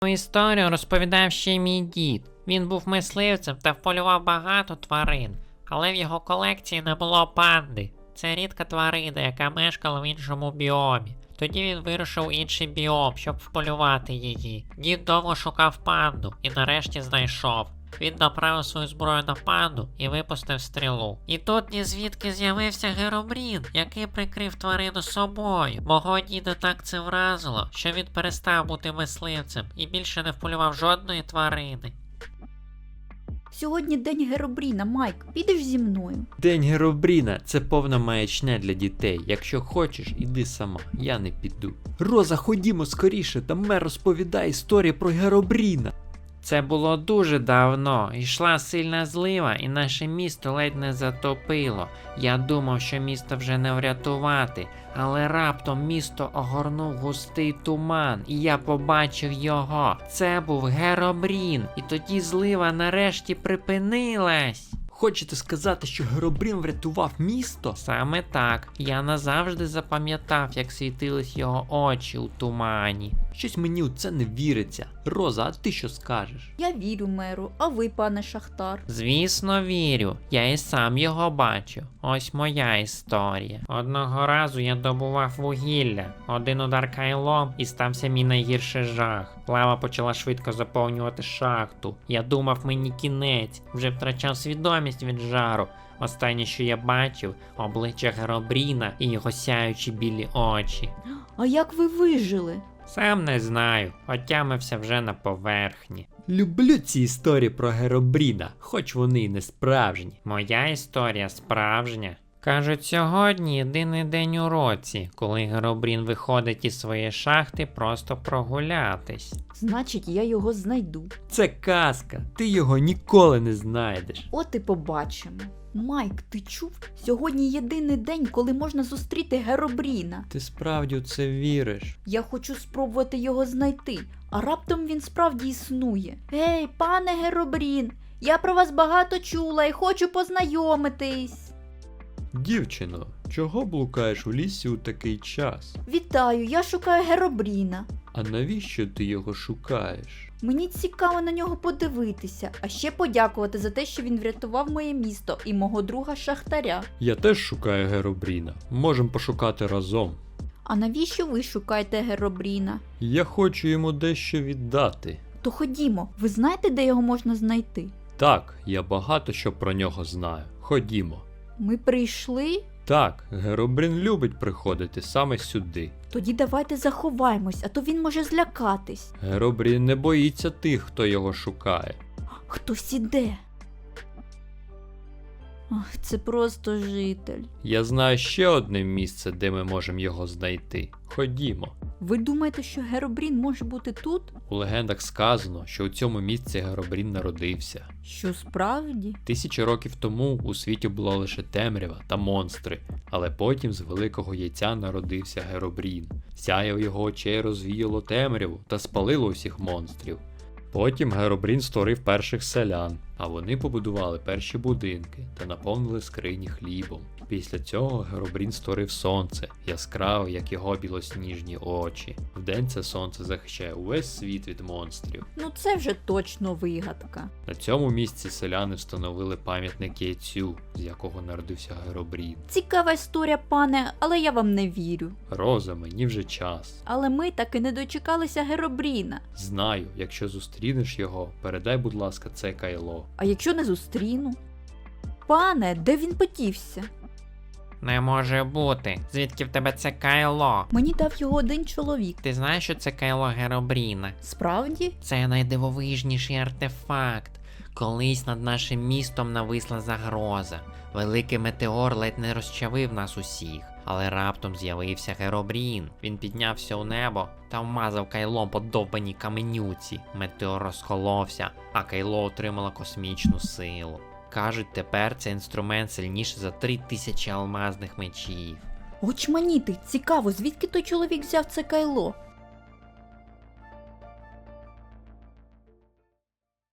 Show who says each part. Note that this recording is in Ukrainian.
Speaker 1: Історію розповідав ще мій дід. Він був мисливцем та вполював багато тварин, але в його колекції не було панди. Це рідка тварина, яка мешкала в іншому біомі. Тоді він вирушив у інший біом, щоб вполювати її. Дід довго шукав панду і нарешті знайшов. Він направив свою зброю на панду і випустив стрілу. І тут ні звідки з'явився Геробрін, який прикрив тварину собою. Мого діда так це вразило, що він перестав бути мисливцем і більше не вполював жодної тварини.
Speaker 2: Сьогодні день Геробріна, Майк, підеш зі мною?
Speaker 3: День Геробріна – це повна маячня для дітей. Якщо хочеш, іди сама, я не піду. Роза, ходімо скоріше, там мер розповідає історію про Геробріна.
Speaker 1: Це було дуже давно. Йшла сильна злива, і наше місто ледь не затопило. Я думав, що місто вже не врятувати, але раптом місто огорнув густий туман, і я побачив його. Це був Геробрін, і тоді злива нарешті припинилась.
Speaker 3: Хочете сказати, що Геробрін врятував місто?
Speaker 1: Саме так. Я назавжди запам'ятав, як світились його очі у тумані.
Speaker 3: Щось мені у це не віриться. Роза, а ти що скажеш?
Speaker 2: Я вірю меру, а ви, пане Шахтар?
Speaker 1: Звісно, вірю. Я і сам його бачу. Ось моя історія. Одного разу я добував вугілля. Один удар кайлом і стався мій найгірший жах. Лава почала швидко заповнювати шахту. Я думав, мені кінець. Вже втрачав свідомість від жару. Останнє, що я бачив, обличчя Геробріна і його сяючі білі очі.
Speaker 2: А як ви вижили?
Speaker 1: Сам не знаю, отямився вже на поверхні.
Speaker 3: Люблю ці історії про Геробріна, хоч вони і не справжні.
Speaker 1: Моя історія справжня. Кажуть, сьогодні єдиний день у році, коли Геробрін виходить із своєї шахти просто прогулятись.
Speaker 2: Значить, я його знайду.
Speaker 3: Це казка, ти його ніколи не знайдеш.
Speaker 2: От і побачимо. Майк, ти чув? Сьогодні єдиний день, коли можна зустріти Геробріна.
Speaker 3: Ти справді у це віриш?
Speaker 2: Я хочу спробувати його знайти, а раптом він справді існує. Гей, пане Геробрін, я про вас багато чула і хочу познайомитись.
Speaker 3: Дівчино, чого блукаєш у лісі у такий час?
Speaker 2: Вітаю, я шукаю Геробріна.
Speaker 3: А навіщо ти його шукаєш?
Speaker 2: Мені цікаво на нього подивитися, а ще подякувати за те, що він врятував моє місто і мого друга Шахтаря.
Speaker 3: Я теж шукаю Геробріна. Можемо пошукати разом.
Speaker 2: А навіщо ви шукаєте Геробріна?
Speaker 3: Я хочу йому дещо віддати.
Speaker 2: То ходімо, ви знаєте, де його можна знайти?
Speaker 3: Так, я багато що про нього знаю. Ходімо.
Speaker 2: Ми прийшли?
Speaker 3: Так, Геробрін любить приходити саме сюди.
Speaker 2: Тоді давайте заховаємось, а то він може злякатись.
Speaker 3: Геробрін не боїться тих, хто його шукає.
Speaker 2: Хтось іде. Ах, це просто житель.
Speaker 3: Я знаю ще одне місце, де ми можемо його знайти. Ходімо.
Speaker 2: Ви думаєте, що Геробрін може бути тут?
Speaker 3: У легендах сказано, що у цьому місці Геробрін народився.
Speaker 2: Що справді?
Speaker 3: 1000 років тому у світі було лише темрява та монстри, але потім з великого яйця народився Геробрін. Сяяв його очей розвіяло темряву та спалило усіх монстрів. Потім Геробрін створив перших селян, а вони побудували перші будинки та наповнили скрині хлібом. Після цього Геробрін створив сонце, яскраве, як його білосніжні очі. Вдень це сонце захищає увесь світ від монстрів.
Speaker 2: Ну це вже точно вигадка.
Speaker 3: На цьому місці селяни встановили пам'ятник яйцю, з якого народився Геробрін.
Speaker 2: Цікава історія, пане, але я вам не вірю.
Speaker 3: Роза, мені вже час.
Speaker 2: Але ми таки не дочекалися Геробріна.
Speaker 3: Знаю, якщо зустрінеш його, передай, будь ласка, це кайло.
Speaker 2: А якщо не зустріну? Пане, де він подівся?
Speaker 1: Не може бути. Звідки в тебе це кайло?
Speaker 2: Мені дав його один чоловік.
Speaker 1: Ти знаєш, що це кайло Геробріна?
Speaker 2: Справді?
Speaker 1: Це найдивовижніший артефакт. Колись над нашим містом нависла загроза. Великий метеор ледь не розчавив нас усіх. Але раптом з'явився Геробрін. Він піднявся у небо та вмазав кайлом по довбаній каменюці. Метеор розколовся, а кайло отримало космічну силу. Кажуть, тепер цей інструмент сильніший за 3000 алмазних мечів.
Speaker 2: Очманіти, цікаво, звідки той чоловік взяв це кайло?